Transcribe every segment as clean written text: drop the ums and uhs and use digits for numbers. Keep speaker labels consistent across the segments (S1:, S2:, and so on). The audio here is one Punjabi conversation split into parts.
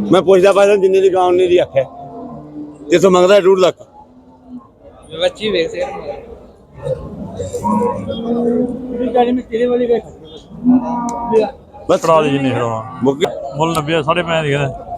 S1: मैं पुछदा पाया जिन्ने दी गांव ने दी आखे ते तो मंगदा 2 लाख
S2: बच्ची वेख से
S1: बस
S3: करा दी जिन्ने
S1: मुक
S3: मुल 90 5.5 दी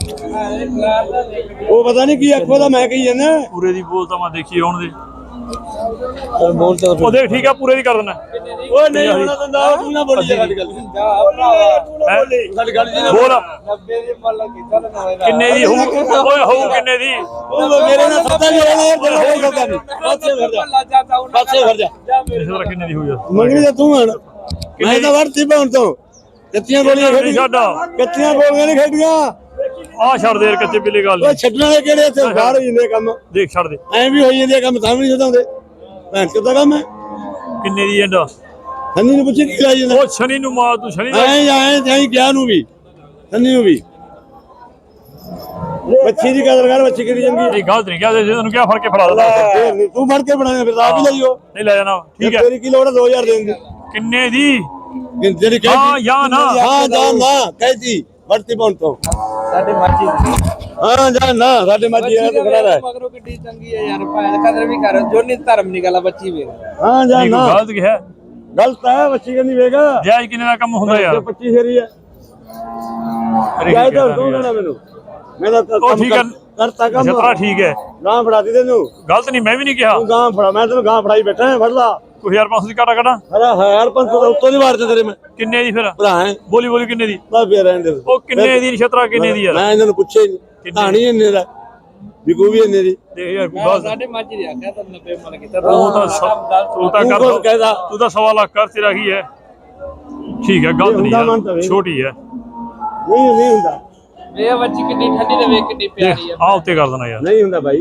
S1: वो पता नहीं की आखो दा मैं कही जाना
S3: पूरे दी बोल तो मैं देखी आउण दे
S1: बोल तो
S3: ਉਹ ਦੇਖ ਠੀਕ ਆ ਪੂਰੇ ਦੀ ਕਰ ਦੇਣਾ
S1: ओ नहीं होना दंदा तू ना बोली साडी गल साडी गल जी
S3: ਬੋਲ
S2: 90 ਦੀ ਮੁੱਲ ਕੀਤਾ ਨਾ
S3: ਕਿੰਨੇ ਦੀ ਹੋਊ ਓਏ ਹੋਊ ਕਿੰਨੇ ਦੀ
S1: ओ मेरे ना सत्ता जो है ना तेरा कोई सत्ता नहीं पाछे घर जा पाछे घर जा
S3: ਇਸ ਤਰ੍ਹਾਂ ਕਿੰਨੇ ਦੀ ਹੋਊ ਯਾਰ
S1: मंगनी ते तू हण मैं तो वरती पाउन तो कच्चियां गोलियां
S3: ਨਹੀਂ ਛੱਡ
S1: कच्चियां गोलियां नहीं खेडियां
S3: ਆ ਛੱਡ ਦੇ ਯਾਰ ਕੱਚੇ ਬਿੱਲੇ ਗੱਲ
S1: ਉਹ ਛੱਡਣ ਵਾਲੇ ਕਿਹੜੇ ਇੱਥੇ ਬਾਹਰ ਹੋ ਜਾਂਦੇ ਕੰਮ
S3: ਦੇਖ ਛੱਡ ਦੇ
S1: ਐਂ ਵੀ ਹੋਈ ਜਾਂਦੇ ਕੰਮ ਤਾਂ ਵੀ ਨਹੀਂ ਛੱਡਾਉਂਦੇ ਭੈਣ ਕਿੱਦਾਂ ਕੰਮ ਹੈ
S3: ਕਿੰਨੇ ਦੀ ਐਂਡਾ
S1: ਸੰਨੀ ਨੂੰ ਪੁੱਛੀ ਕੀ ਲਾਈ ਜਾਂਦਾ
S3: ਉਹ ਸ਼ਨੀ ਨੂੰ ਮਾਰ ਤੂੰ ਸ਼ਨੀ ਦਾ
S1: ਐਂ ਗਿਆ ਨੂੰ ਵੀ ਸੰਨੀ ਨੂੰ ਵੀ ਬੱਚੀ ਦੀ ਕਦਰ ਕਰ ਬੱਚੀ ਕਿਹੜੀ ਚੰਗੀ
S3: ਇਹ ਗਲਤ ਨਹੀਂ ਕਿਹਾ ਜੇ ਤੈਨੂੰ ਕਿਹਾ ਫੜ ਕੇ ਫੜਾ ਦੇ
S1: ਫੇਰ ਨੀ, ਤੂੰ ਫੜ ਕੇ ਬਣਾਇਆ ਫਿਰ ਆਪ ਹੀ ਲਈਓ
S3: ਨਹੀਂ ਲੈ ਜਾਣਾ ਠੀਕ ਹੈ
S1: ਤੇਰੀ ਕੀ ਲੋੜ ਹੈ 2000 ਦੇਣ ਦੀ
S3: ਕਿੰਨੇ ਦੀ
S1: ਤੇਰੀ ਕਹਿ
S3: ਹਾਂ ਜਾਂ ਨਾ
S1: ਹਾਂ ਜਾਂ ਨਾ ਕਹਿਤੀ ਵਰਤੀ ਪਾਉਣ ਤੋਂ
S2: ਸਾਡੇ ਮਰਜ਼ੀ
S1: ਹਾਂ ਜਾਂ ਨਾ ਸਾਡੇ ਮਰਜ਼ੀ ਹੈ ਤੇ ਖੜਾ ਰਹਿ
S2: ਮਗਰੋਂ ਕਿੱਡੀ ਚੰਗੀ ਹੈ ਯਾਰ ਭਾਵੇਂ ਕਦਰ ਵੀ ਕਰ ਜੋ ਨਹੀਂ ਧਰਮ ਨਹੀਂ ਗੱਲ ਬੱਚੀ ਵੇਖ
S1: ਹਾਂ ਜਾਂ
S3: ਨਹੀਂ
S1: ਨਾ
S3: ਕੋਈ ਗਲਤ ਕਿਹਾ
S1: ਗਲਤ ਹੈ ਬੱਚੀ ਕਹਿੰਦੀ ਵੇਗਾ
S3: ਜਾਇਜ਼ ਕਿੰਨੇ ਦਾ ਕੰਮ ਹੁੰਦਾ ਯਾਰ
S1: 25 ਫੇਰੀ ਹੈ ਜਾਇ ਤਾਂ ਤੂੰ ਕਹਿਣਾ ਮੈਨੂੰ ਮੈਂ ਤਾਂ
S3: ਉਹ ਠੀਕ ਹੈ
S1: ਕਰਤਾ ਕੰਮ
S3: ਜਤਰਾ ਠੀਕ ਹੈ
S1: ਗਾਂ ਫੜਾਤੀ ਤੈਨੂੰ
S3: ਗਲਤ ਨਹੀਂ ਮੈਂ ਵੀ ਨਹੀਂ ਕਿਹਾ
S1: ਤੂੰ ਗਾਂ ਫੜਾ ਮੈਂ ਤੈਨੂੰ ਗਾਂ ਫੜਾਈ ਬੈਠਾ ਫੜ ਲਾ
S3: ਕੋਈ 1500 ਦੀ ਕਾਟਾ ਕੱਢਾਂ
S1: ਹਰਾ 1500 ਦਾ ਉੱਤੋਂ ਦੀ ਮਾਰ ਦੇ ਤੇਰੇ ਮੈਂ
S3: ਕਿੰਨੇ ਦੀ ਫਿਰ
S1: ਭਰਾ ਹੈ
S3: ਬੋਲੀ ਬੋਲੀ ਕਿੰਨੇ ਦੀ
S1: ਬਾ ਫੇਰ ਰਹਿਣ ਦੇ
S3: ਉਹ ਕਿੰਨੇ ਦੀ ਨਛਤਰਾ ਕਿੰਨੇ ਦੀ ਯਾਰ
S1: ਮੈਂ ਇਹਨਾਂ ਨੂੰ ਪੁੱਛਿਆ ਹੀ ਨਹੀਂ ਕਹਾਣੀ ਇੰਨੇ ਦਾ ਵਿਕੂ ਵੀ ਇੰਨੇ ਦੀ
S3: ਦੇਖ ਯਾਰ ਕੋਈ ਗਲਤ
S2: ਸਾਡੇ ਮਰਜ਼ੀ ਦੀ ਆਖਿਆ ਤਾਂ 90 ਮੁੱਲ ਕੀਤਾ
S3: ਤੂੰ ਤਾਂ ਕਰ
S1: ਕੁਛ ਕਹਿਦਾ
S3: ਤੂੰ ਤਾਂ 1.5 ਲੱਖ ਕਰ ਤੇਰਾ ਕੀ ਹੈ ਠੀਕ ਹੈ ਗਲਤ ਨਹੀਂ
S1: ਹੁੰਦਾ ਮਨ ਤਾਂ
S3: ਯਾਰ
S1: ਵੇ।
S3: ਛੋਟੀ ਹੈ
S1: ਨਹੀਂ ਹੁੰਦਾ
S2: ਵੇ ਬੱਚੀ ਕਿੰਨੀ ਠੰਡੀ ਤੇ ਵੇਖ ਕਿੰਨੀ ਪਿਆਰੀ ਆ
S3: ਆ ਉੱਤੇ ਕਰ ਦੇਣਾ ਯਾਰ
S1: ਨਹੀਂ ਹੁੰਦਾ ਭਾਈ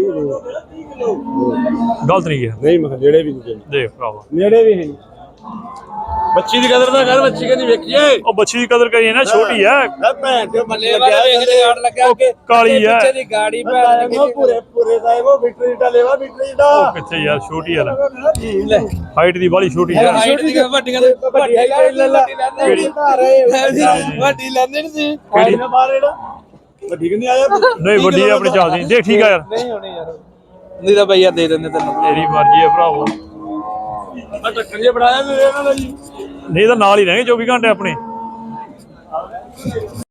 S3: ਗਲਤ ਨਹੀਂ ਕਿਹਾ
S1: ਨਹੀਂ ਮੈਂ ਜਿਹੜੇ ਵੀ ਨਹੀਂ
S3: ਦੇਖ ਭਰਾਵਾ
S1: ਨੇੜੇ ਵੀ ਨਹੀਂ ਬੱਚੀ ਦੀ ਕਦਰ ਤਾਂ ਕਰ ਬੱਚੀ ਕਹਿੰਦੀ ਵੇਖੀਏ
S3: ਉਹ ਬੱਚੀ ਦੀ ਕਦਰ ਕਰੀਏ ਨਾ ਛੋਟੀ ਹੈ
S1: ਹੈ ਭੈਣ ਤੇ
S2: ਬੱਲੇ ਵਾਲੇ ਵੇਖਦੇ ਗਾੜ ਲੱਗਿਆ ਕਿ
S3: ਕਾਲੀ ਹੈ
S2: ਪਿੱਛੇ ਦੀ ਗਾੜੀ ਭੈਣ
S1: ਉਹ ਪੂਰੇ ਪੂਰੇ ਦਾ ਉਹ ਬਿਟਰੀ ਦਾ ਲੈਵਾ ਬਿਟਰੀ ਦਾ
S3: ਉਹ ਕਿੱਥੇ ਯਾਰ ਛੋਟੀ ਯਾਰ ਹਾਈਟ ਦੀ ਬਾਲੀ ਛੋਟੀ ਹੈ
S2: ਹਾਈਟ ਦੀ ਵੱਡੀਆਂ ਦੇ ਵੱਡੀ ਲੈ ਵੱਡੀ ਲੈਂਦੇ ਨਹੀਂ ਸੀ
S1: ਕਿਹੜੀ ਨਾ ਬਾਹਰ ਇਹਦਾ ਵੱਡੀ ਕਿੰਨੀ ਆਇਆ
S3: ਨਹੀਂ ਵੱਡੀ ਹੈ ਆਪਣੀ ਚੱਲਦੀ ਦੇਖ ਠੀਕ ਆ ਯਾਰ
S2: ਨਹੀਂ ਹੋਣੀ ਯਾਰ ਨਹੀਂ ਤਾਂ ਭਈਆ ਦੇ ਦਿੰਦੇ ਤੈਨੂੰ
S3: ਤੇਰੀ ਮਰਜ਼ੀ ਹੈ ਭਰਾਵੋ
S1: ਆ ਟੱਕਰ ਜੇ ਬਣਾਇਆ ਮੇਰੇ ਨਾਲ ਜੀ
S3: ਨਹੀਂ ਤਾਂ ਨਾਲ ਹੀ ਰਹਿਣਗੇ 24 ਘੰਟੇ ਆਪਣੇ